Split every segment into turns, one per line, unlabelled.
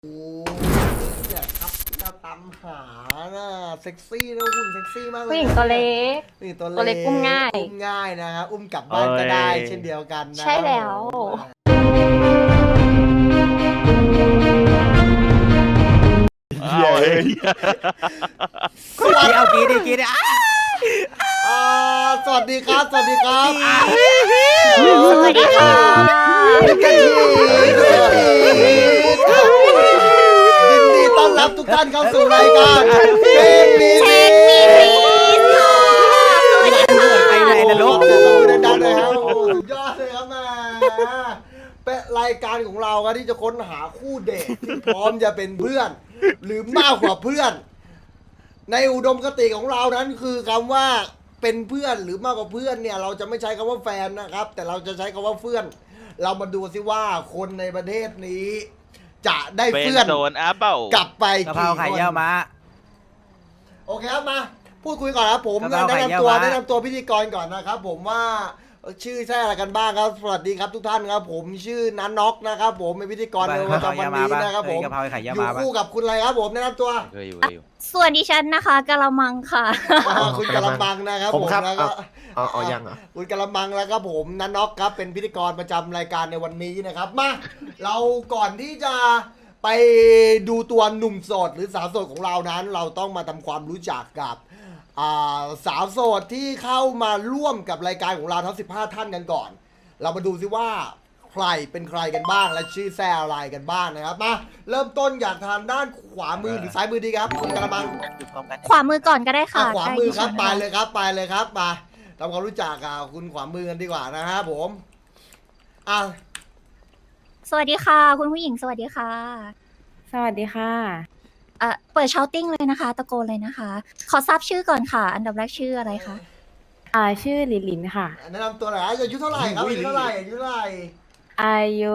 โอ้เนี่ยครับจะตามหาน่ะเซ็กซี่นะหุ่นเซ็กซี่มากเลย
ผู้หญิงตัวเล็ก
นี่ตัว
ตัวเล็กอุ้มง่าย
อุ้มง่ายนะครับอุ้มกลับบ้านก็ได้เช่นเดียวกันนะ
ใช่แล้ว
เอาเฮ้ย
สวัสดี
เอากีดิกีดิ
สวัสดีครับสวัสดีครับ
สวัสดีค่ะ
เป็นกันทียินดีต้อนรับทุกท่านเข้าสู่รายการเช็คมี
เช็คมีพีสค่ะสวัสดีค่ะ
ไปไหนนรก
ดังๆเลยครับโอ้สุดยอดเลยครับมาเป็นรายการของเราครับที่จะค้นหาคู่เดทที่พร้อมจะเป็นเพื่อน หรือมากกว่าเพื่อน ในอุดมคติของเรานั้นคือคำว่าเป็นเพื่อนหรือมากกว่าเพื่อนเนี่ยเราจะไม่ใช้คำว่าแฟนนะครับ แต่เราจะใช้คำว่าเพื่อน เรามาดูสิว่าคนในประเทศนี้ จะได้
เป็น
เพื่อน
โซนอาเป้าก
ลับไป
กะเพรา
กี่
ไข่
คน
เยี่ยวม้า
โอเคครับมาพูดคุยก่อนครับผม
กะเพราไข่
แนะ
เยี่
นำ
ยว
ตัว
ม้า
แนะนำตัวพิธีกรก่อนนะครับ ผมว่าชื่อใช่อะไรกันบ้างครับสวัสดีครับทุกท่านครับผมชื่อนันน็อกนะครับผมเป็นพิธีกรในวัน
กะเพรา
วัน
ไข่เยี่ยวม้า
นี้
ปะ
นะครับผม
กะเพราไข่
อ
เยี่ยว
ยู่
ม้าปะ
คู่กับคุณอะไรครับผมแนะนำตัว
เคยอยู่เคยอยู่
ส่วนดิฉันนะคะกะละมังค่ะ
คุณกะละมังนะครับ
ผมครับ
แล้วก็
เอายังเหรอ
คุณกะละมังแล้วก็ผมนันน็อกครับเป็นพิธีกรประจำรายการในวันนี้นะครับมาเราก่อนที่จะไปดูตัวหนุ่มโสดหรือสาวโสดของเรานั้น เราต้องมาทำความรู้จักกับสาวโสดที่เข้ามาร่วมกับรายการของเราทั้ง15 ท่านกันก่อน เรามาดูซิว่าใครเป็นใครกันบ้างและชื่อแซ่อะไรกันบ้างนะครับมาเริ่มต้นจากทางด้านขวามือหรือซ้ายมือดีครับคุณกะละมัง
อยู่พร้อมกัน
ขวามือก่อนก็ได้ค่ะ
ขวามือครับ
ใก
ไป
ล้ดิฉัน
เลยครับไปเลยครับมาทำความรู้จักกับคุณขวามือกันดีกว่านะครับผมอ่ะ
สวัสดีค่ะ คุณผู้หญิงสวัสดีค่ะ
สวัสดีค่ะ
เปิดเชาติ้งเลยนะคะ ตะโกนเลยนะคะ ขอทราบชื่อก่อนค่ะ อันดับแรกชื่ออะไรคะ
ชื่อลิลินค่ะ
แนะนำตัวหน่อยอายุเท่าไหร่ครับอายุเท่าไหร่อายุเท่าไหร่
อายุ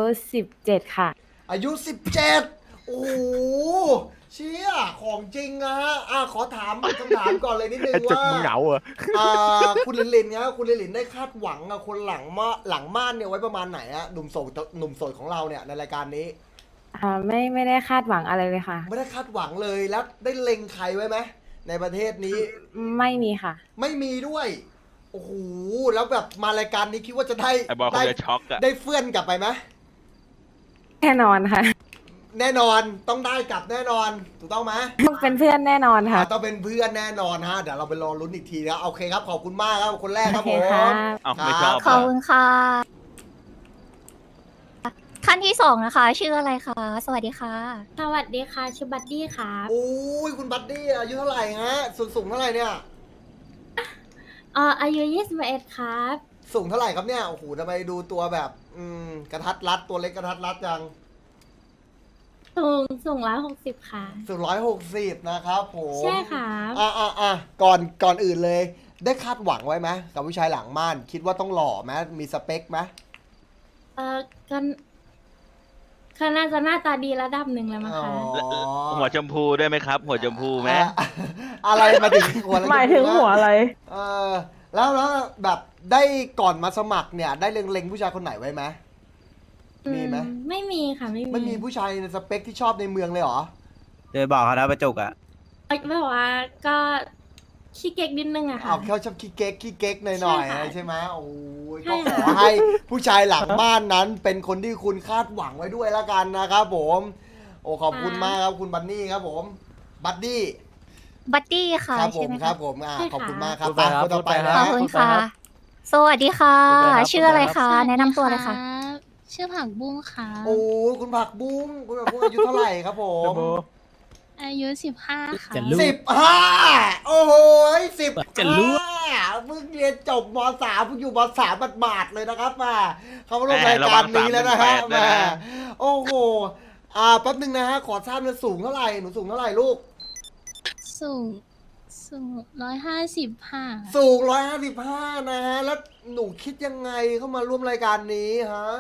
17ค่ะ
อายุ17โอ้โหเชี่ยของจริงนะฮะขอถามคำถามก่อนเลยนิดนึง
จุก
ว่า
มึงเหงาเหรอ
คุณลินลินครับคุณลินลินได้คาดหวังกับคนหลังม่านเนี่ยไว้ประมาณไหนอะหนุ่มโสดของเราเนี่ยในรายการนี้
ไม่ได้คาดหวังอะไรเลยค่ะ
ไม่ได้คาดหวังเลยแล้วได้เล็งใครไว้ไหมในประเทศนี้
ไม่มีค่ะ
ไม่มีด้วยโอ้โหแล้วแบบมารายการนี้คิดว่าจะได้
ไอ้บอลคงจะช็อกอะ
ได้เฟื่อนกลับไปไหม
แน่นอนค่ะ
แน่นอนต้องได้กลับแน่นอนถูกต้องไหม
ต้องเป็นเพื่อนแน่นอนค่ะ
ต้องเป็นเพื่อนแน่นอนฮะเดี๋ยวเราไปรอลุ้นอีกทีนะโอเคครับขอบคุณมากครับคนแรกครับ
โอ
ผ
เค
ม
ค่ะ
เอ้าไม่ชอบ
ขอบคุณค่ะ ท่านที่สองนะคะ ชื่ออะไรคะ สวัสดีค่ะ
สวัสดีค่ะ ชื่อบัดดี้ค่ะ
โอ้ยคุณบัดดี้อายุเท่าไหร่ฮะสูงเท่าไหร่เนี่ย
อายุ21ครับ
สูงเท่าไหร่ครับเนี่ยโอ้โหทำไมดูตัวแบบกระทัดรัดตัวเล็กกระทัดรัดจัง
สูง160 ค่ะ
สูง160นะครับผม
ใช่ค่ะ
ก่อนอื่นเลย ได้คาดหวังไว้ไหมกับผู้ชายหลังม่านคิดว่าต้องหล่อไหมมีสเปคไหม
ก็น่าจะหน้าตาดีระดับหนึ่งแล้วมั้ง
อ๋อ
คะ
หัวชมพูด้วยไหมครับ หัวชมพูไหม
อะไรมาถึงหัวอะไร
หมายถึงหัวอะไร
เออแล้วแบบได้ก่อนมาสมัครเนี่ย ได้เล็งผู้ชายคนไหนไว้ไหมมีไหม
ไม่มีค่ะ
ไม่มีผู้ชายในสเปคที่ชอบในเมืองเลยเหรอ
เดยบอกเขานะประจุกอ่ะ
แบบว่าก็ขี้เก๊กนิดนึงอะค่ะ
เอาเขาชอบขี้เก๊กหน่อย
ใช่ค่ะ
ๆใช่ไหมโอ้ย
ใช่
ก็ข
ค่ะ
อให้ผู้ชายหลังบ้านนั้นเป็นคนที่คุณคาดหวังไว้ด้วยละกันนะครับผม โอ้ขอบคุณมากครับคุณบันนี่ครับผม บัดดี้
บัตตี้ค่ะ
ครับผ
ใช่
ม
ไหม
ครั
คะ
บผม
ใช่ค่ะ
ขอบคุณมากครับ
พูดไปครับ
คนต่อไป
พูดไป
นะ
ขอบคุณค่ะ สวัสดีค่ะ ชื่ออะไรคะ แนะนำตัวเลยค่ะ
ชื่อผักบุ้งค่ะ
โอ้คุณผักบุ้งคุณผักบุ้งอายุเท่าไหร่ครับผม
อายุ15ค่ะ
จะรู้
15โอ้โห10
จะรู้
เพิ่งเรียนจบม.3เพิ่งอยู่ม.3 บาทๆเลยนะครับมาเขามาร่วมรายการนี้แล้วนะฮะมาโอ้โหแป๊บนึงนะฮะขอทราบเลยสูงเท่าไหร่หนูสูงเท่าไหร่ลูก
สูง155
สูง155นะฮะแล้วหนูคิดยังไงเข้ามาร่วมรายการนี้ฮะ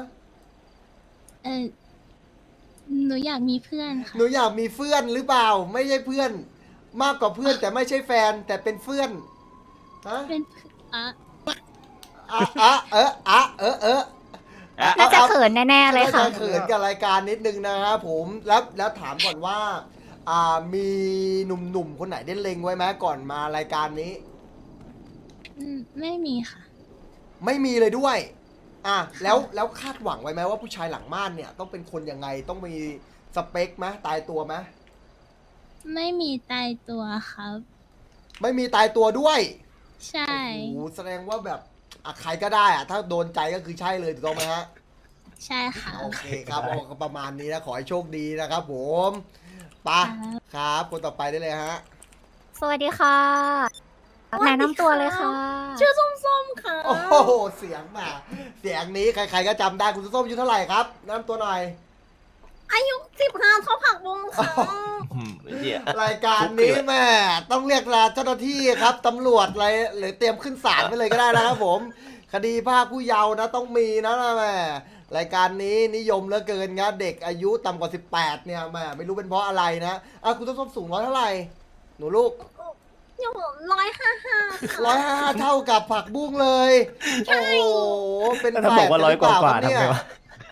หนูอยากมีเพื่อนค่ะ
หนูอยากมีเพื่อนหรือเปล่า ไม่ใช่เพื่อน มากกว่าเพื่อนแต่ไม่ใช่แฟนแต่เป็นเพื่อนฮะ
เป็นอ่ะ
เออ
น่าจะเขินแน่ๆเลยค่ะ
น่าจเขินกับรายการนิดนึงนะครับผมแล้วถามก่อนว่ามีหนุ่มๆคนไหนได้เล็งไว้ไหมก่อนมารายการนี้
ไม่มีค่ะ
ไม่มีเลยด้วยแล้วคาดหวังไว้ไหมว่าผู้ชายหลังม่านเนี่ยต้องเป็นคนยังไงต้องมีสเปคไหมตายตัวไหม
ไม่มีตายตัวครับ
ไม่มีตายตัวด้วย
ใช่
โอ้โหแสดงว่าแบบใครก็ได้ถ้าโดนใจก็คือใช่เลยถูกต้องไหมฮะ
ใช่ค่ะ
โอเคครับโอ้ก็ประมาณนี้นะขอให้โชคดีนะครับผมไปะครับคนต่อไปได้เลยฮะ
สวัสดีค่ะแนะนำตัวเลยค่ะ
ชื่อส้มๆค่ะ
โอ้โหเสียงมาเสียงนี้ใครๆก็จำได้คุณส้มอายุเท่าไหร่ครับแนะนำตัวหน่อย
อายุ15เท่าผักบุ้งค่ะ
รายการนี้แม่ต้องเรียกลาเจ้าหน้าที่ครับตำรวจอะไรหรือเตรียมขึ้นศาลไปเลยก็ได้นะครับผม คดีภาคผู้เยาว์นะต้องมีนะแม่รายการนี้นิยมเหลือเกินนะเด็กอายุต่ำกว่า18เนี่ยแม่ไม่รู้เป็นเพราะอะไรนะคุณส้มสูงร้อยเท่าไหร่หนูลูก
อยู่155
155เท่ากับผักบุ้งเลยโอ้โหเป็น
ถ้าบอกว่า100กว่าๆทำไงวะ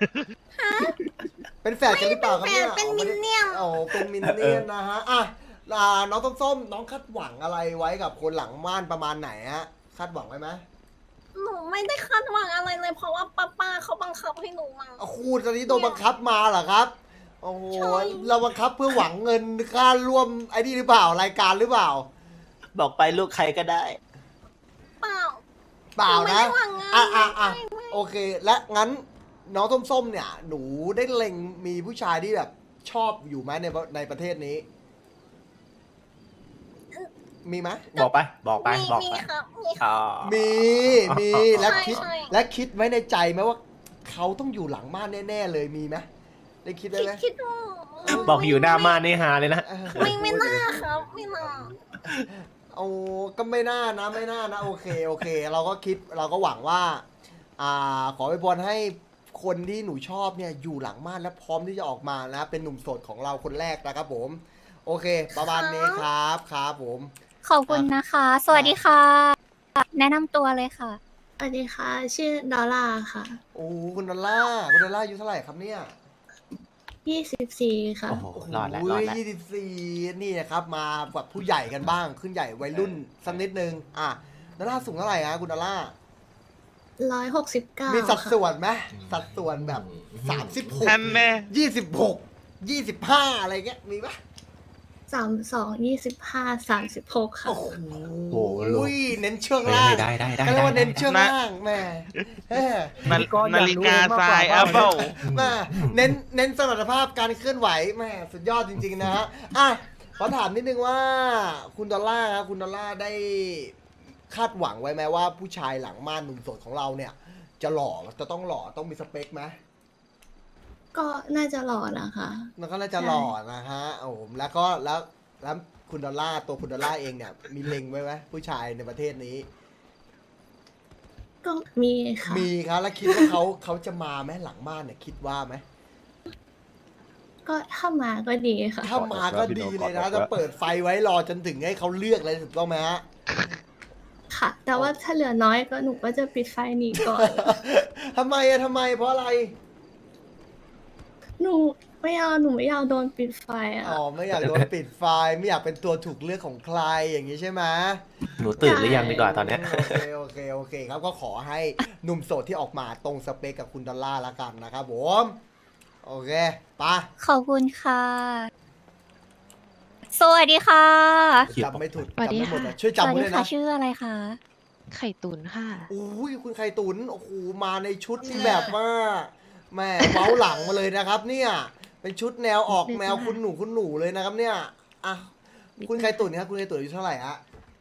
เป็นแฝดกันหรือเปล่าครับเนี่ย
เป็นมินเนี่ยน
โอ้เป็นมินเนี่ยนนะฮะน้องส้มๆน้องคาดหวังอะไรไว้กับคนหลังม่านประมาณไหนฮะคาดหวังไว้ไหม
หนูไม่ได้คาดหวังอะไรเลย เพราะว่าป้าเขาบังคับให้หนูมา
คุณตอนนี้โดนบังคับมาเหรอครับโอ้โห
ใช่
เราบังคับเพื่อหวังเงินค่าร่วมไอ้นี่หรือเปล่ารายการหรือเปล่า
บอกไปลูกใครก็ได้
เปล่า
เปล่า
ไม่
นะ
ได้หวังเงิน
โอเค และงั้นน้องส้มๆเนี่ย หนูได้เล็งมีผู้ชายที่แบบชอบอยู่ไหมในประเทศนี้ มีไหม
บอกไป บอกไป บอก
มี
ไป
ครับมีครับ
อ๋อ
มีและคิด
ใช่
และคิดไว้ในใจไหมว่าเขาต้องอยู่หลังม่านแน่ๆเลยมีไหมได้คิดไว้ไหม
คิดว่า
บอกอยู่หน้าม่านนี่ฮาเลยนะ
ไม่น่าครับไม่น่า
โอ้ก็ไม่น่านะไม่น่านะโอเคเราก็คิดเราก็หวังว่าขออวยพรให้คนที่หนูชอบเนี่ยอยู่หลังม่านและพร้อมที่จะออกมานะเป็นหนุ่มโสดของเราคนแรกนะครับผม โอเค ประมาณนี้ครับผม
ขอบคุณนะคะ สวัสดีค่ะ แนะนำตัวเลยค่ะ
สวัสดีค่ะ ชื่อดอลลาร์ค่ะ
โอ้คุณดอลล่าอายุเท่าไหร่ครับเนี่ย
24ค่ะ
โอ้โห รอดแล้ว
โย
รอดแล้ว
24นี่นะครับมาแบบผู้ใหญ่กันบ้างขึ้นใหญ่วัยรุ่นสักนิดนึงดอลล่าสูงเท่าไหร่ฮะคุณดอลล่า
169
มีสัด
ค่ะ
ส่วนไหมสัดส่วนแบบ
ท่านแน่
36 25อะไรเงี้ยมีปะ
32 25 36ค่ะ
โอ้โห
โอ้โห
เน้นช่วงล่าง
ได้
ก็เรียกว่าเน้นช่วงล่างแม่เอ้ย
นาฬิกาทรายอัพเปิล
แม่เน้นสมรรถภาพการเคลื่อนไหวแม่สุดยอดจริงๆนะฮะขอถามนิดนึงว่าคุณดอลล่าครับคุณดอลล่าได้คาดหวังไว้ไหมว่าผู้ชายหลังม่านหนุ่มโสดของเราเนี่ย จะต้องหล่อต้องมีสเปคไหม
ก็น่าจะหล่อนะคะ
มันก็น่าจะหล่อนะฮะผมแล้วคุณดอลล่าตัวคุณดอลล่าเองเนี่ยมีเล็งไว้ไหมผู้ชายในประเทศนี้
ก็มีค่ะ
มีครับแล้วคิดว่าเขาจะมาไหมหลังม่านเนี่ยคิดว่าไหม
ก็ถ้ามาก็ดีค่ะ
ถ้ามาก็ดีเลยนะจะเปิดไฟไว้รอจนถึงให้เขาเลือกเลยถูกต้องไหมฮะ
ค่ะ แต่ว่าถ้าเหลือน้อยก็หนูก็จะปิดไฟหนีก่อน
ทำไมเพราะอะไร
หนูไม่เอาโดนปิดไฟอ่ะ
อ๋อไม่อยากโดนปิดไฟไม่อยากเป็นตัวถูกเลือกของใครอย่างนี้ใช่ไหม
หนูตื่นหรือยังดีกว่าตอนเนี้ย
โอเคครับก็ขอให้หนุ่มโสดที่ออกมาตรงสเปคกับคุณดอลล่าละกันนะครับผมโอเคไปะ
ขอบคุณค่ะ สวัสดีค่ะ
จำไม่ถูก
สวัส
จำ
ดี
ไม่หมด
ค่ะ
อะช่วย
ส
จำ
วัส
ไว้
ดี
เลย
ค่ะ
นะ
ชื่ออะไรคะ
ไข่ตุ๋นค่ะ
อุ้ยคุณไข่ตุนโอ้โหมาในชุดที่แบบว่าแม่เว้าหลังมาเลยนะครับ เนี่ยเป็นชุดแนวออกแนวคุณหนูเลยนะครับ เนี่ยคุณไข่ตุนครับคุณไข่ตุนอายุเท่าไหร่ฮะ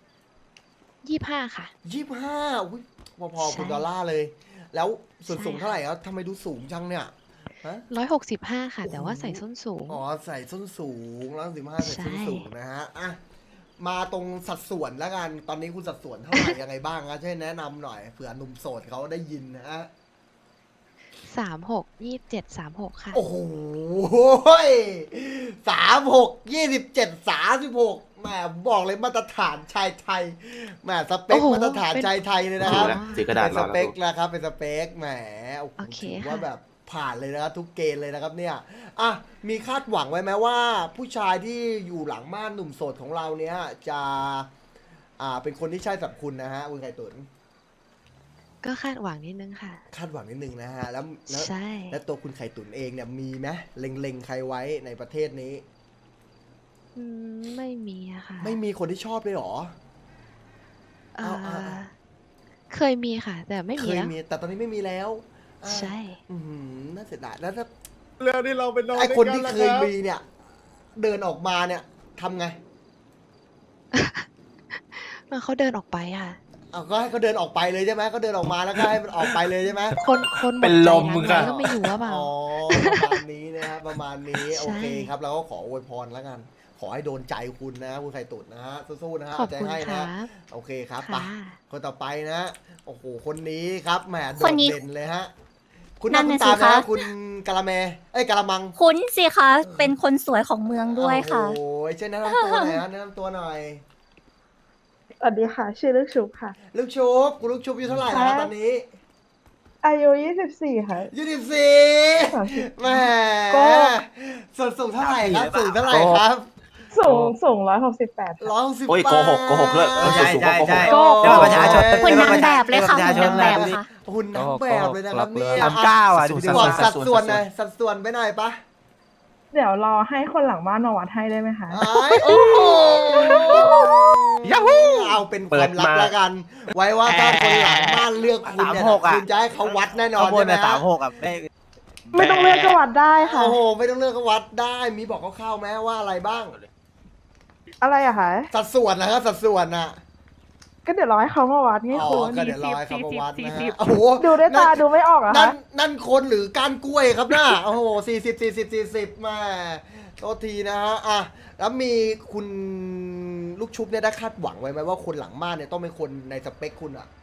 25 ค่ะ
25อุ้ยพอๆคุณดอลล่าเลย แล้วส่วนสูง
ใช่
เท่าไหร่ครับทำไมดูสูงจังเนี่ยฮะ
165 ค่ะ แต่ว่าใส่ส้นสูง
อ๋อใส่ส้นสูงแล้ว15ใส่ส้น
ใช่
สูงนะฮะมาตรงสัดส่วนแล้วกันตอนนี้คุณสัดส่วนเท่าไหร่ ยังไงบ้างครับช่วยแนะนำหน่อยเผื่อหนุ่มโสดเขาได้ยินนะฮะ
36 27 36 ค่ะ
โอ้โห36 27 36 แหมบอกเลยมาตรฐานชายไทยแหมสเปค
โอ้โห
มาตรฐานชายไทยเลยนะครับ
ถือกระดาษ
เป็น
ร
ส
อ
เป
แล้ว
คนะครับเป็นสเปคแหมโอ้โห
โอเค
ถือ
ค่ะ
ว่าแบบผ่านเลยนะครับทุกเกณฑ์เลยนะครับเนี่ยอ่ะมีคาดหวังไว้ไหมว่า ผู้ชายที่อยู่หลังม่านหนุ่มโสดของเราเนี้ยจะเป็นคนที่ใช่สำหรับคุณนะฮะคุณไข่ตุ๋น
ก็คาดหวังนิดนึงค่ะ
คาดหวังนิดนึงนะฮะแล้ว
ใช่
แล้วตัวคุณไข่ตุ๋นเองเนี่ยมีไหมเล็งๆใครไว้ในประเทศนี้
ไม่มีอะค่ะ
ไม่มีคนที่ชอบเลยเหรอ
เอ่อ
เอา
เคยมีค่ะ แต่ไม่
เค
มี
ย
แล้ว
มีแต่ตอนนี้ไม่มีแล้วอ่า
ใช่
น่าเสียดายแล้วถ้า
เรื่องที่เราเป็นน้อง
ไอคนที่
ด้วย
เค
กั
ย
รับ
มีเนี่ย เดินออกมาเนี่ยทำไง
เขาเดินออกไปค่ะ
เอาก็ให้เขาเดินออกไปเลยใช่ไหมก็เดินออกมาแล้วก็ให้มันออกไปเลยใช่ไหม
คนหม
เป็
ด
น
ใจ
ล
รั
ม
ก
มึง
ไว้
อะ
ก็ไม่อยู่ว่าเปล่า
อ๋อประมาณนี้นะครับประมาณนี้
ใช่
โอเคครับเราก็ขออวยพรแล้วกัน ขอให้โดนใจคุณนะคุณไข่ตุ๋นนะฮะสู้ๆนะฮะ
ขอบ
ใจ
คุณ
ให้
ค
นะ
รับ
โอเคครับไป
ค่ะ
คนต่อไปนะโอ้โหคนนี้ครับแหมโด
คน
ด
นี้
เด่นเลยฮะคุณ
นั่
นั่
น
คุณ
น่ะ
ตาม
สิคะ
นะคุณกะละแมกะละมัง
คุ้นสิคะ เป็นคนสวยของเมืองด้วยค่ะ
โอ้ยเช่นแนะนำตัวหน่อยฮะแนะนำตัวหน่อย
สวัสดีค่ะ ชื่อลึกชุบค่ะ
ลูกชุบคุณลูกชุบอายุเท่าไหร่
ครั
นะ
บ
ตอนนี้
อายุ24 ค่ะ
24แหม
ก็
ส่วนสูงเท่าไหร่ครับสูงเท่าไหร่ครับ
สูง168
160
โอ้ยโกหกด้วย
ใช่ใช่ใช่
ก็
เจ้าประชาชน
คุณนางแบบเลยค่ะ
ประชาช
คุ
น
ณนางแบบค่ะ
หุ่นนางแบบเลยนะครับเนี่ย
39อ่ะ
บอกสัดส่วนหน่อยสัดส่วนไปหน่อยปะ
เดี๋ยวรอให้คนหลังบ้านมาวัดให้ได้ไหมคะ
โอ้โหยาฮูเอาเป็นความลับแล้วกัน ไว้ว่าถ้าคนหลังบ้านเลือกคุณเนี่ย
36อ่ะ
คุณจะให้เขาวัดแน่นอน
ข้างบน
ใช่ไหม
น่ะ
ฮะ
36อ่ะไม่
ไม่ต้องเลือกก็วัดได้ค่ะ
โอ้โหไม่ต้องเลือกก็วัดได้ มีบอกคร่าวๆไหมว่าอะไรบ้าง
อะไรอะคะ
สัดส่วนนะครับสัดส่วนน่ะ
ก็เดี๋ยวรอให้เขามาวัดไง
อ๋อ
คุณ
ก็เดี๋ยวรอให้เขามาวัดนะฮะโอ้โห
ดูด้วยตาดูไม่ออกเหรอ
นั่
คะ
นนั่นคนหรือก้านกล้วยครับน่ะโอ้โห40มาโทษทีนะฮะอ่ะแล้วมีคุณลูกชุบเนี่ยได้คาดหวังไว้ไหมว่าคนหลังม่านเนี่ยต้องเป็นคนในสเปคคุณอ่ะ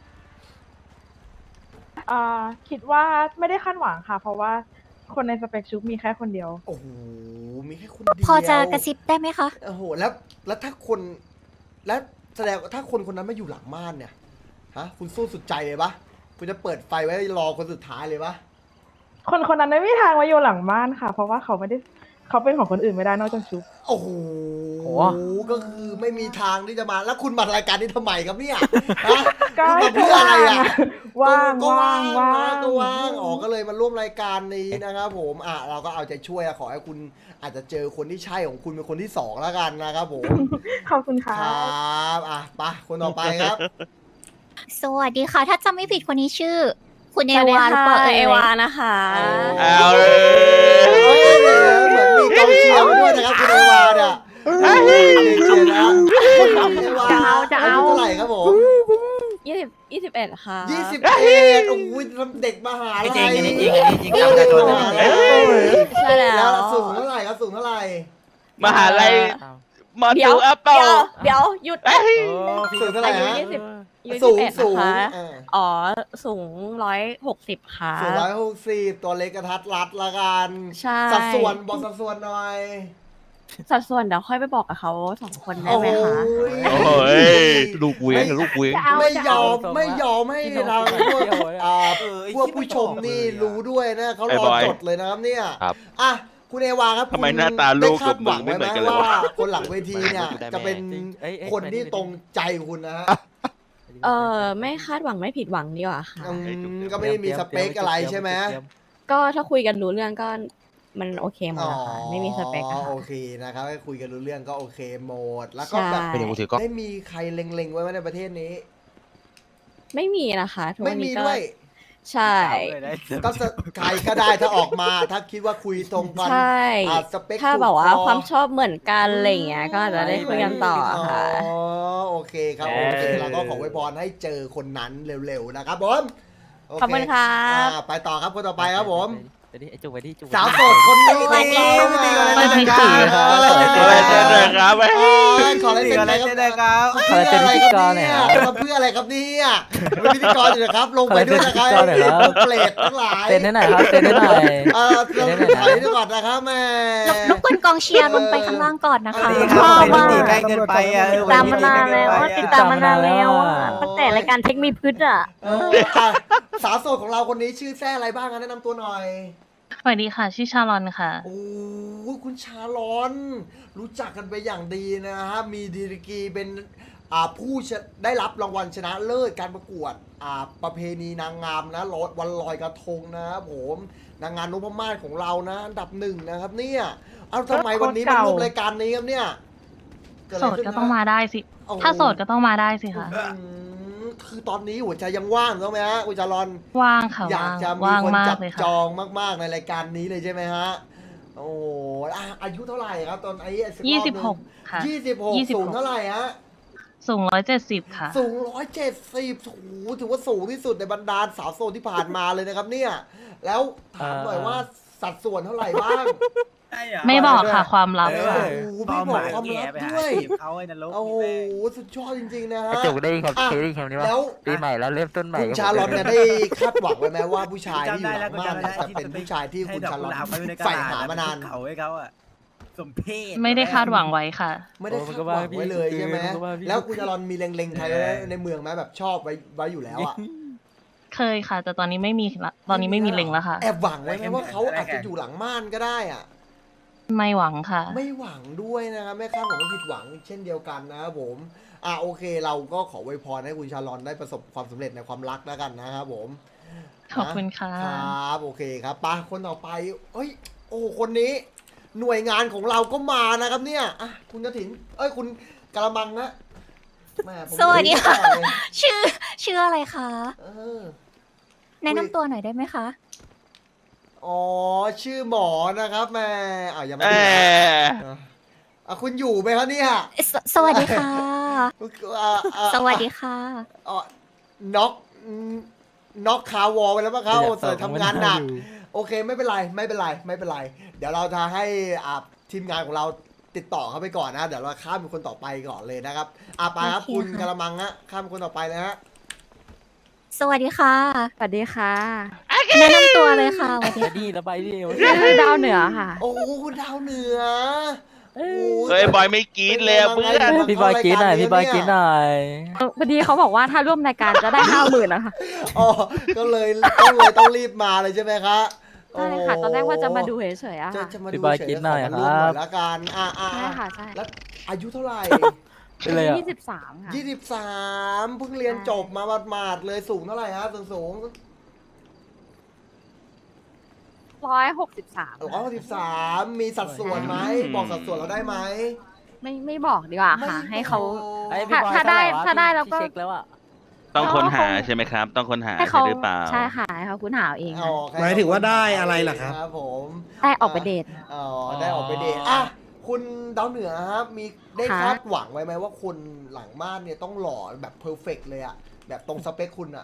คิดว่าไม่ได้คาดหวังค่ะ เพราะว่าคนในสเปคชุบมีแค่คนเดียว
โอ้โหมีแค่คนเดียว
พอจะกระซิบได้ไหมคะ
โอ้โหแล้วถ้าคนแล้วแสดงว่าถ้าคนคนนั้นไม่อยู่หลังม่านเนี่ยฮะคุณสู้สุดใจเลยปะคุณจะเปิดไฟไว้รอคนสุดท้ายเลยปะ
คนนั้นไม่มีทางมาอยู่หลังบ้านค่ะ เพราะว่าเขาเป็นของคนอื่นไม่ได้นอกจากชุบ
โอ้โหก็คือไม่มีทางที่จะมาแล้วคุณมารายการนี้ทำไมครับเนี่ยฮะ
ก็
คุณมาเพื่ออะไรอ่ะ
ว่าง
ก็ว่าง
ว่าง
ก็ว่างอ๋อก็เลยมาร่วมรายการนี้นะครับผมเราก็เอาใจช่วยขอให้คุณอาจจะเจอคนที่ใช่ของคุณเป็นคนที่สองแล้วกันนะครับผม
ขอบคุณค่ะ
ครับไปคนต่อไปครับ
สวัสดีค่ะ ถ้าจำไม่ผิดคนนี้ชื่อ คุณเอวาหรือเปล่า
เอวานะคะ
เอาเลย
เหมือนมีกองเชียร์มาด้วยนะครับคุณเอวาเนี่ยเชียร์นะคุณเอวา
จะเอา
ยุเท่าไหร่ครับผม
21 ค่ะ
21โอ้โหเด็กมหาลัย
จริงอันนี้จริงอันนี้จริงเจ้าประชาชนอันนี้จริง
ใช่แล้ว
แล้วสูงเท่าไหร่ครับสูงเท่าไหร่
มหาลัยมอตูอัปเปา
เดี๋ยวหยุด
สูงเท่าไหร่
อายุ
ฮะ
20
สูง
21
สูง
นะคะ
เออ
อ๋อ สูง 160 ค่ะ
สูง160ตัวเล็กกระทัดรัดละกัน
ใช่
สัดส่วนบอกสัดส่วนหน่อย
สัดส่วนเดี๋ยวค่อยไปบอกกับเขา2 คนได้ไหมคะ
โอ้ยลูกเวียงลูกเวียง
ไม่ยอมให้เราพวกผู้ชมนี่รู้ด้วยนะเขารอจดเลยนะครับเนี่ย
ครับ
อ่ะคุณเอวาครับ
ทำไมหน้าตาลูก
ได้คาดหวังไว้ไหม
กับมึงไม่เหมือนกันเลยวะ
ว่าคนหลังเวทีเนี่ยจะเป็นคนที่ตรงใจคุณนะฮะ
ไม่คาดหวังไม่ผิดหวังดีกว่าค่ะ
ก็ไม่ได้มีสเปคอะไรใช่ไหม
ก็ถ้าคุยกันรู้เรื่องก็มันโอเคหมดแล้วค่ะ ไม่มีสเปคอะ
โอ
ค่ะ
เคนะครับให้คุยกันรู้เรื่องก็โอเคหมดแล้วก็แบบ
ใช่
เป็นอย่างกูถือก็
ได้มีใครเล็งๆไว้ไหมในประเทศนี้
ไม่มีนะคะทุก
ไม่
วัน
มี
นี้ก็
ด้วย
ใช่
ก็ใครก็ได้ถ้าออกมา ถ้าคิดว่าคุยตรงกัน
ใช่
สเปค
ถ้า
ถูก
แบบว่า
คอ
ความชอบเหมือนกันอะไรอย่างเงี้ยก็อาจจะได้คุยกันต่อค่ะ
อ๋อโอเคครับโอเคเราก็ขอไว้พรให้เจอคนนั้นเร็วๆนะครับผมโเ
ขอบคุณค่ะ
ไปต่อครับคนต่อไปครับผม
ไปดิไอจุกไปดิจุก
สาวโสดคนนี้ของเรามา
ตีก่อนเลยนะ
อะไรเจอเลยครับ
ขออะไร
ตี
เป็น
ก่อน
อะไร
เลยนะครับ
เพื่ออะไรครับเนี่ยทำเพื่ออะไรครับเนี่ยเป็นพิธีกรอยู่นะครับลงไปด้วยนะครับเปรตทั้งหลาย
เต้นให้หน่อยครับเต้นให้หน่อย
เราถอยด้วยก่อนนะครับแม่
รบกวนกองเชียร์ลงไปข้างล่างก่อนนะคะ
ตีครับเป็นตีใกล้เกินไปอ่ะ
ตามมานานแล้วติดตามมานานแล้วตั้งแต่รายการเทคมีพืชอ่ะ
สาวโสดของเราคนนี้ชื่อแซ่อะไรบ้างแนะนำตัวหน่อย
สวัสดีค่ะ ชื่อชาลอนค่ะ
โอ้คุณชาลอน รู้จักกันไปอย่างดีนะฮะมีดีกรีเป็นผู้ได้รับรางวัลชนะเลิศการประกวดประเพณีนางงามนะวันลอยกระทงนะครับผมนางงามนพมาศของเรานะอันดับ1นะครับเนี่ยเอาทำไมวันนี้มาร่วมรายการนี้ครับเนี่ยเดะ
โส
ไร
ด
ขึ้น
ก็ต้องมาได้สิ
โอ้โห
ถ้าโสดก็ต้องมาได้สิค่ะ
คือตอนนี้หัวใจยังว่างถูกไหมฮะคุณชาลอน
ว่างค่ะ
อยากจะมี
ว่าง
คน
มา
จั
ก
บ
เลย
จ
ค่ะ
องมากๆในรายการนี้เลยใช่ไหมฮะโอ้โหอายุเท่าไหร่ครับตอน
26 ค่ะ
26สูงเท่าไหร่ฮะ
สูง170 ค่ะ
สูง170โอ้โหถือว่าสูงที่สุดในบรรดาสาวโสดที่ผ่านมาเลยนะครับเนี่ยแล้วถามหน่อยว่าสัดส่วนเท่าไหร่บ้าง
ไม่บอกค่ะ ความลับ
โอ้
ค่ะ
โหไม่บอกความลับด้วย
เขาไอ้นรก
โอ้โหสุดยอดจริงๆนะฮะ
จุกได้ครับ
อ่ะ
เคยได้คำนี้ว่า
แล้ว
ปีใหม่แล้วเริ่มต้นใหม่
คุณชาลอนเนี่ยได้คาดหวังไว้ไหมว่าผู้ชายที่อยู่หลังม่านเนี่ยจะเป็นผู้ชายที่คุณชาลอนใฝ่หามานาน
เขาให้เขาอ่ะสมเพศ
ไม่ได้คาดหวังไว้ค่ะ
ไม่ได้คาดหวังไว้เลยใช่ไหมแล้วคุณชาลอนมีเล็งๆใครในเมืองไหมแบบชอบไว้อยู่แล้วอ่ะ
เคยค่ะ แต่ตอนนี้ไม่มีละตอนนี้ไม่มีเล็งแล้วค่ะ
แอบหวังไว้ไหมว่าเขาอาจจะอยู่หลังม่านก็ได้อ่ะ
ไม่หวังค่ะ
ไม่หวังด้วยนะครับไม่คาดหวังว่าผิดหวังเช่นเดียวกันนะครับผมโอเคเราก็ขออวยพรให้คุณชาลอนได้ประสบความสำเร็จในความรักแล้วกันนะครับผม
ขอบคุณค่ะ
ครับโอเคครับไปคนต่อไปเอ้ยโอ้คนนี้หน่วยงานของเราก็มานะครับเนี่ยคุณกฐินคุณกระมังนะแม่ผม
สวัสดีค่ะ
ไม่รู้จักเลย
ชื่ออะไรคะ
เออ
แนะนำตัวหน่อยได้ไหมคะ
อ๋อชื่อหมอนะครับแม่ยังไม่
เอ
ได้ คุณอยู่ไหมครับเนี่ย
สวัสดีค่ะ สวัสดีค่ะ
น็อกคาวอลไปแล้วป่ะครับเสริมทำงานหนักโอเคไม่เป็นไรไม่เป็นไรไม่เป็นไร เดี๋ยวเราจะให้ทีมงานของเราติดต่อเข้าไปก่อนนะเดี๋ยวเราข้ามเป็นคนต่อไปก่อนเลยนะครับไปครับ
โอเค
คุณ
ค่ะ
กระมังฮะข้ามเป็นคนต่อไปเลยฮะ
สวัสดีค่ะ
สวัสดีค่ะ
แนะนำตัวเลยค่ะสวัสดี
ไปดีแล้วไปดิ
ดาวเหนือค่ะ
โอ้คุณดาวเหนือโอ้
เฮ้ยบอยไม่กรีดเลยอะเพื่อน
พี่บอยกินหน่อยพี่บอยกินหน่อย
พอดีเขาบอกว่าถ้าร่วมรายการจะได้ 50,000นะคะ
อ๋อก็เลยต้องรีบมาเลยใช่ไหมคะ
ใช่ค่ะ ตอนแรกว่าจะมาดูเฉยๆอะ
จะ
ค่ะ
มาดู
พี่บอย
เฉย
กิน
ๆ
หน่อย
ข
ค
มา
รั
ร่วมหน่
บ
อยละกัน
ใช่ค่ะ ใช่
แล้วอายุเท่าไหร่
เป็นไรอ่ะ
23 ค่ะ
23เพิ่งเรียนจบมาหมาดๆเลยสูงเท่าไหร่ฮะสูง
163
163มีสัดส่วนไหมบอกสัดส่วนเราได้ไหม
ไม่บอกดีกว่าค่ะ ให้เขา
ไอ้พี่บอย
ถ้าได้
เท่หร่
ถ้าได้แล้วก็
พี่เช็คแล้วอ่ะ
ต้องค้นหาใช่ไหมครับ ต้องค้นหา
ให้
ใช่
เขา
หรือเปล่า
ใช่ค่ะให้เขาคุณหาเอาเอง
อ๋อ
ค่ะ
แค่
หมายถึงว่าได้อะไรล่ะครับ
ครับผม
ได้ออกไปเดท
อ๋อได้ออกไปเดทคุณดาวเหนือครับมีได้
ค่ะ
คาดหวังไว้ไหมว่าคนหลังม่านเนี่ยต้องหล่อแบบเพอร์เฟกเลยอะแบบตรงสเปคคุณอะ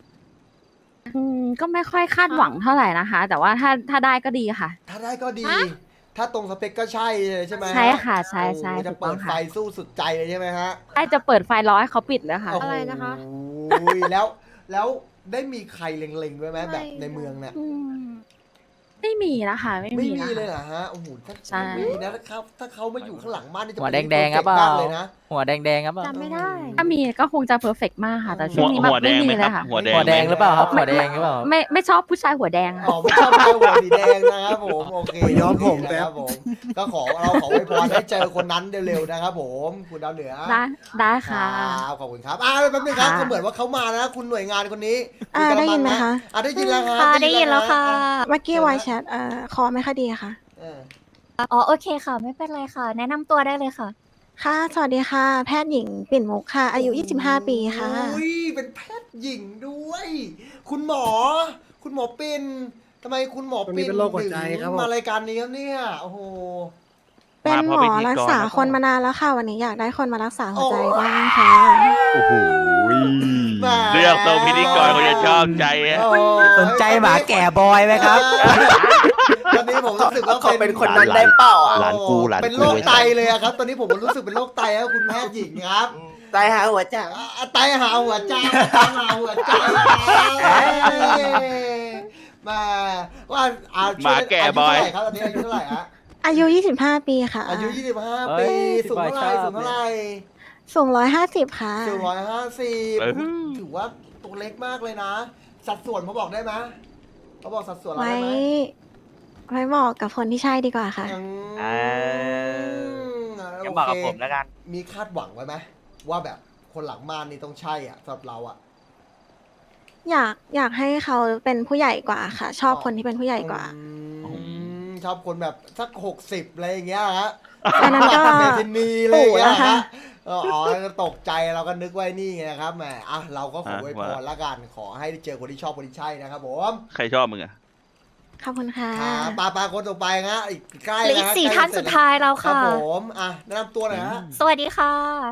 ก็ไม่ค่อยคาดหวังเท่าไหร่นะคะ แต่ว่าถ้าได้ก็ดีค่ะ
ถ้าได้ก็ดี ถ้าตรงสเปคก็ใช่เลยใช่ไหม
ใช่ค่ะใช่ใช่
โอ้โหจะ
ถูกต้
เปิ
อง
ด
ค่ะ
ไฟสู้สุดใจเลยใช่ไหมฮะ
ไอจะเปิดไฟร้อยเขาปิดเลยค่ะ
อะไรนะคะแล้วได้มีใครเล็งๆไว้ไหมแบบในเมืองเนี่ย
ไม่มีนะคะไม่
ไม่
มี
มี
นะ
เลย
คะ
เหรอฮะโอ้โหถ้า
ใช่
ไม่มีนะถ้าเขามาอยู่ข้างหลังบ้านนี่จะ
หัว
เป็น
แดงๆครับเป
perfect
ล่า
มากเลยนะ
หัวแดงๆครับเปล่า
จำไม่ได้ ถ้ามีก็คงจะเพอร์เฟกมากค่ะ แต่ช่
หั
ว
ว
งนี้แบบ
หัวแด
ไม่
ง
มี
ไหม
เล
ครั
ย
บ
ค่ะ
หัวแดง
หัวแดงหรือเปล่าครับหัวแดงหรือเปล่า
ไม่ชอบผู้ชายหัวแดง
อ๋อไม่ชอบให้หัวสีแดงนะครับผมโอเค
ย้อมผม
นะครับผมก็เราขออวยพรให้เจอคนนั้นเร็วๆนะครับผมคุณดาวเหนือ
ได้ค่ะ
ครับขอบคุณครับแป๊บนึงครับ
ค่ะ
ก็เหมือนว่าเขามานะคุณหน่วยงานคนนี้คุณกระ
ได้ยินไหม
ง
คะ
ได้ยินแล้วครับ
ค่ะได้ยินแล้วค่ะ
เมื่อกี้ไวแชทคอไม่ค่อยดีค่ะ
เออ
อ๋อโอเคค่ะ ไม่เป็นไรค่ะ แนะนำตัวได้เลยค่ะ
ค่ะ สวัสดีค่ะ แพทย์หญิงปิ่นมุกค่ะ อายุ 25 ปีค่ะ
อุ้ยเป็นแพทย์หญิงด้วย คุณหมอปิ่นทำไมคุณหมอ
ตรง
ปิ่
นี้
น
เป็นโรคหัวใจ
ถึง
ครับผม
มารายการนี้ครับเนี่ยโอ้โห
เป็นหมอรักษาคนมานานแล้วค่ะ วันนี้อยากได้คนมารักษาหัวใจบ้างค่ะ
โอ้โหเลือกตัวพิธีกรคนจะชอบใจอะ
โอ้ย
สนใจหมาแก่บอยไหมครับ
ตอนนี้ผมรู้สึกว่า
ขอเป็นคนนั้นได้เปล่าอ่ะ
หลานกูหลาน
เป็น
กู
โรคไตเลยอะครับ ตอนนี้ผมรู้สึกเป็นโรคไตแล้วคุณแพทย์หญิงครับ
ตายหาหัวใจ
ไตหาหัวใจไตหาหัวใจมาว่า
หมาแก่บอย
อายุเท่าไหร่ครับตอนนี้อายุเท่าไหร่ฮะ
อายุ 25 ปีค่ะ
อายุ 25
เอ้
ปี
ย
สูงเท่าไหร่
พี่บอยชอบ
สูงเท่าไหร่
สูง150 ค่ะ
สูง150
เออ
ถือว่าตัวเล็กมากเลยนะ สัดส่วนเขาบอกได้ไหมเขาบอกสัดส่วนเรา
ไว้
ได้ไหม
ไว้บอกกับคนที่ใช่ดีกว่าค่ะ
ยังบอกกับผมแล้วกัน
มีคาดหวังไว้ไหมว่าแบบคนหลังม่านนี่ต้องใช่อ่ะสำหรับเราอ่ะ
อยากให้เขาเป็นผู้ใหญ่กว่าค่ะ ชอบคนที่เป็นผู้ใหญ่กว่า
ชอบคนแบบสัก60อะไรอย่างเงี้ยฮะ
อันนั้นก็
เมทินีอะไรอย่างเงี้ย
ปู่แล้วค่ะ
ฮะอ๋อตกใจเราก็นึกไว้นี่ไงนะครับแหมอ่ะเราก็ขออวยพรละกันขอให้ได้เจอคนที่ชอบคนที่ใช่นะครับผม
ใครชอบมึงอะ
ขอบคุณค่ะ
ครับปาคนต่อไปฮะอีกใกล้
เหลืออี
นะ
ก
ฮะ
สี่
ใกล้
ท่าน
เสร็
สุ
จ
ดท้ายแล้ว
ครับ
ค่ะ
ผมอ่ะแนะนำตัวหน่อยฮะ
สวัสดีค่ะ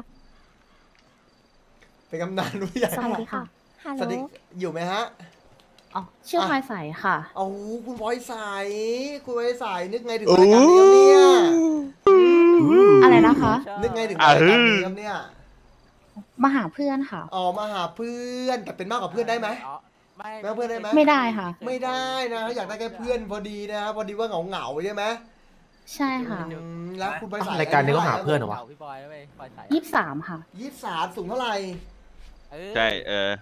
เป็นกำนันผู้ใหญ่
สวัสดีค่ะ
ฮัล
สวัส
โหล
ดีอยู่ไหมฮะ
อ๋อชื่อพลอยใสค่ะ
โอ้โหคุณพลอยสายคุณพลอยสายนึกไงถึงรายการนี้ครับเนี่ย
อะไรนะคะ
นึกไงถึงรายการนี้ครับเนี่ย
มาหาเพื่อนค่ะ
อ๋อมาหาเพื่อนแต่เป็นมากกว่าเพื่อนได้ไหม
ไม่
แม่เพื่อนได้ไหม
ไม่ได้ค่ะ
ไม่ได้นะอยากได้แค่เพื่อนพอดีนะครับพอดีว่าเหงาใช่ไหม
ใช่ค่ะ
แล้วคุณพลอยสาย
รายการนี้ก็หาเพื่อนเหรอวะ
พี่บอยแล้วเว้ยบอยใส่
23 ค่ะ
23สูงเท่าไหร่
ใช่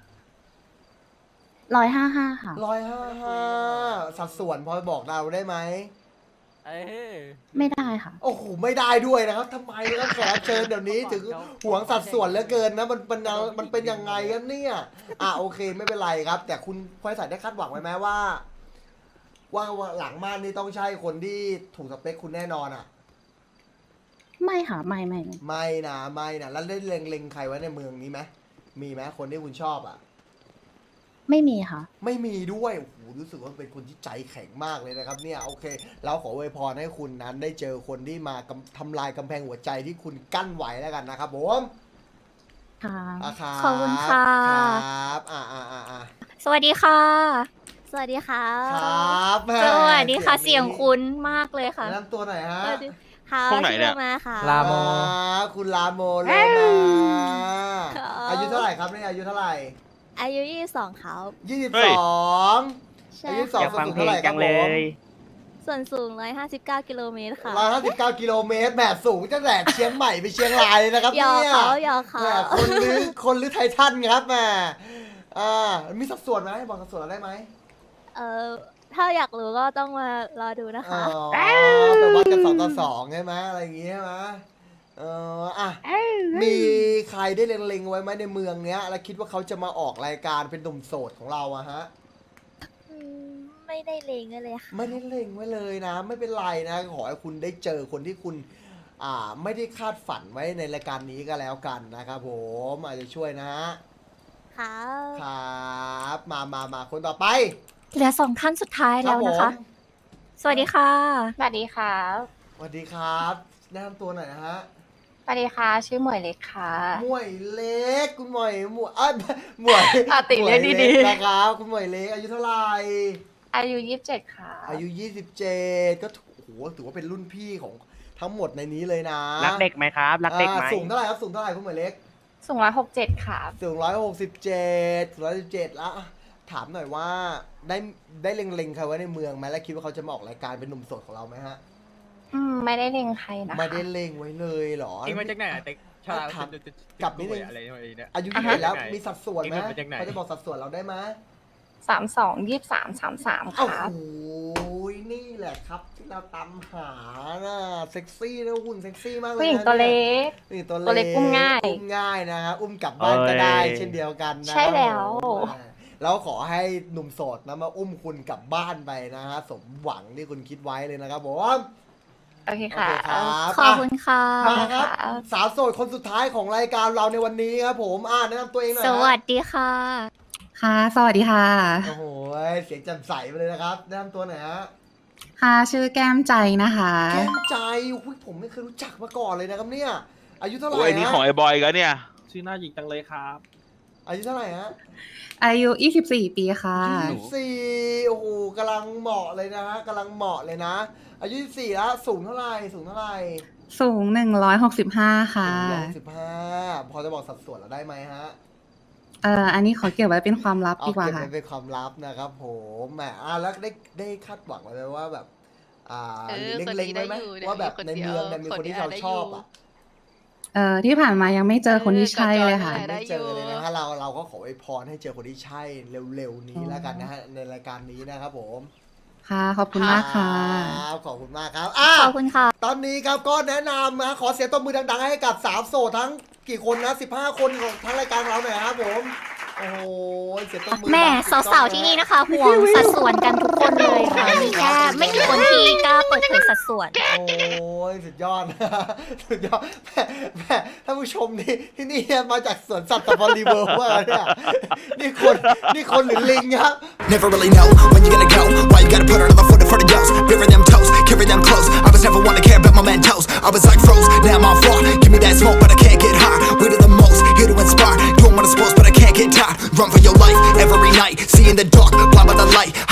155 ค่ะ
155สัดส่วนพอบอกเราได้ไหม
เอ้ย
ไม่ได้ค่ะ
โอ้โหไม่ได้ด้วยนะครับทำไมนะครับแขกรับเชิญเดี๋ยวนี้ถึงหวงสัดส่วนเหลือเกินนะมันเป็นยังไงกันเนี่ยโอเคไม่เป็นไรครับ แต่คุณพลอยสายได้คาดหวังไว้ไหมว่าหลังม่านนี่ต้องใช่คนที่ถูกสเปคคุณแน่นอนอ่ะ
ไม่ค่ะ ไม่
ไม่นะแล้วได้เล็งใครไว้ในเมืองนี้ไหมมีไหมคนที่คุณชอบอ่ะ
ไม่มีค่ะ
ไม่มีด้วยโอ้โหรู้สึกว่าเป็นคนที่ใจแข็งมากเลยนะครับเนี่ยโอเคเราขออวยพรให้คุณนั้นได้เจอคนที่มาทำลายกำแพงหัวใจที่คุณกั้นไว้แล้วกันนะครับผม
ค่ะ
ครับ
ขอบคุณค่ะ
ครับ
สวัสดีค่ะ
สวัสดีค่ะ
ครับแม่
สวัสดีค่ะ เสียงคุ้นมากเลยค่ะ
แนะนำตัวหน่อยฮะ
ค่ะ
พวกไหนเนี่ย
ชื่อมาค่ะ
ลาโม
คุณลาโมโลมา
ครับ
อายุเท่าไหร่ครับเนี่ยอายุเท่าไหร่
อายุ22ครับ
เฮ้ย
22
ใช่
อายุ
ค่ะ
2ส่วนสูงเท่าไหร่ครับผม
ส่วนสูง159 กิโลเมตรค่ะ
159 กิโลเมตรแหมสูงตั้งแต่เชียงใหม่ไปเชียงรายเลยนะครับ
หยอก
เนี่ย
เขา
แหมคนหรือไททันครับแหมมีสัดส่วนไหมบอกสัดส่วนเราได้ไหม
ถ้าอยากรู้ก็ต้องมารอดูนะคะ
แปลว่าจะ2 ต่อ 2ใช่ไหมอะไรอย่างงี้ใช่ไหมมีใครได้เล็งๆไว้ไหมในเมืองเนี้ย แล้วคิดว่าเขาจะมาออกรายการเป็นหนุ่มโสดของเราอะฮะ
ไม่ได้เลงเลยค่ะ
ไม่ได้เล็งไว้เลยนะ ไม่เป็นไรนะ ขอให้คุณได้เจอคนที่คุณ ไม่ได้คาดฝันไว้ในรายการนี้ก็แล้วกันนะครับผมอาจจะช่วยนะฮะ
ค่ะ
ครับมาคนต่อไป
เหลือ2ท่านสุดท้ายแล้วนะคะ
รับผม
สวัสดีค่ะ
สวัสดีค่ะ
สวัสดีครับแนะนำตัวหน่อยนะฮะ
สวัสดีค่ะ ชื่อหมวยเล็กค่ะ
หมวยเล็กคุณหมวยหมวย
ติเรียกดีๆ
หมวนะครับคุณหมวยเล็กอายุเท่าไหร่
อายุ27 ค่ะ
อายุ27ก็โอ้โหถือว่าเป็นรุ่นพี่ของทั้งหมดในนี้เลยนะ
รักเด็กไหมครับ รักเด็กไหม
สูงเท่าไหร่ครับสูงเท่าไหร่คุณหมวยเล็ก
สูง167 ค่ะ
สูง167แล้วถามหน่อยว่าได้เล็งๆใครไว้ในเมืองไหมแล้วคิดว่าเขาจะมาออกรายการเป็นหนุ่มโสดของเราไหมฮะ
ไม่ได้เล็งใครนะคะ
ไม่ได้เล็งไว้เลยเหรอ
เองมาจากไหนอะเต็กชา
ถามกลับนิดนึง
อะไรเนี่ย
อายุ21แล้วมีสัดส่วนไหม
เอ็งมาจากไหน
เขาจะบอกสัดส่วนเราได้ไหม
32 23 33
โอ้
ค่ะ
โหนี่แหละครับที่เราตามหาน่ะเซ็กซี่นะหุ่นเซ็กซี่มากเลยนะ
ผู้หญิงตัวเล็ก
นี่ตัว
ตัวเล็กอุ้มง่าย
อุ้มง่ายนะฮะอุ้มกลับบ้านก็ได้
เอ้ย
เช่นเดียวกันนะ
ใช่แล้ว
แล้วขอให้หนุ่มโสดนะมาอุ้มคุณกลับบ้านไปนะฮะสมหวังที่คุณคิดไว้เลยนะครับผม
โอเคค่ะ
โอเคครับ
ขอบคุณค่ะ
มาครับสาวโสดคนสุดท้ายของรายการเราในวันนี้ครับผมแนะนำตัวเองหน่อย
ส
ฮะ
วัสดีค่ะ
ค่ะ สวัสดีค่ะ
โอ้โหเสียงแจ่มใสไปเลยนะครับแนะนำตัวหน่อยฮะ
ค่ะชื่อแก้มใจนะคะ
แก้มใจอุ๊ยผมไม่เคยรู้จักมาก่อนเลยนะครับเนี่ยอายุเท่าไหร่
โอ้ยนี่
ฮะ
ของไอ้บอยกันเนี่ย
ชื่อหน้าหยิกจังเลยครับ
อายุเท่าไหร่ฮะ
อายุ 24 ปีค่ะ
24โอ้โหกำลังเหมาะเลยนะฮะกำลังเหมาะเลยนะ อายุ24แล้วสูงเท่าไหร่สูงเท่าไหร่
สูง 165 ค่ะ
115พอจะบอกสัดส่วนเราได้ไหมฮะ
อันนี้ขอเก็บไว้เป็นความลับ
เอา
ดีกว่า
เก็บ
ค่ะ
ไว้เป็นความลับนะครับผมแหมแล้วได้คาดหวังไว้ไหมว่าแบบเล็งๆไว้ไหมว่าแบบในเมืองเนี่ยมีคนที่เราชอบอ่ะ
ที่ผ่านมายังไม่เจอคนที่ใช่เลยค่ะ
ไม่เจอเลยนะฮะเราก็ขออวยพรให้เจอคนที่ใช่เร็วๆนี้แล้วกันนะฮะในรายการนี้นะครับผม
ค่ะ ขอบคุณมากค่ะ
ครับขอบคุณมากครับ
ขอบคุณค่ะ
ตอนนี้ครับก็แนะนำนะขอเสียงตบมือดังๆให้กับสาวโสดทั้งกี่คนนะ15 คนของทั้งรายการเราหน่อยครับผมโอ้โหเสียงตบมือ
แม่สาวๆที่นี่นะคะห่วงสัดส่วนกันทุกคนเลยค่ะมีแค่ไม่กี่คนที่กล้าเปิดเผยสัดส่วน
โอ้ยสุดยอด สุดยอดแม่ท่านผู้ชมนี่ที่นี่มาจากสวนสัตว์ตะบอลีเวิร์ว่าเนี่ยนี่คนหรือลิงครับ
Never really know when you're gonna go. Why you gotta put another foot in front of yours? Bury them toes, carry them close. I was never one to care about my mentos. I was like froze, now I'm on floor. Give me that smoke, but I can't get high. We do the most, here to inspire. Doing what I'm supposed, but I can't get tired. Run for your life every night. See in the dark, blind by the light.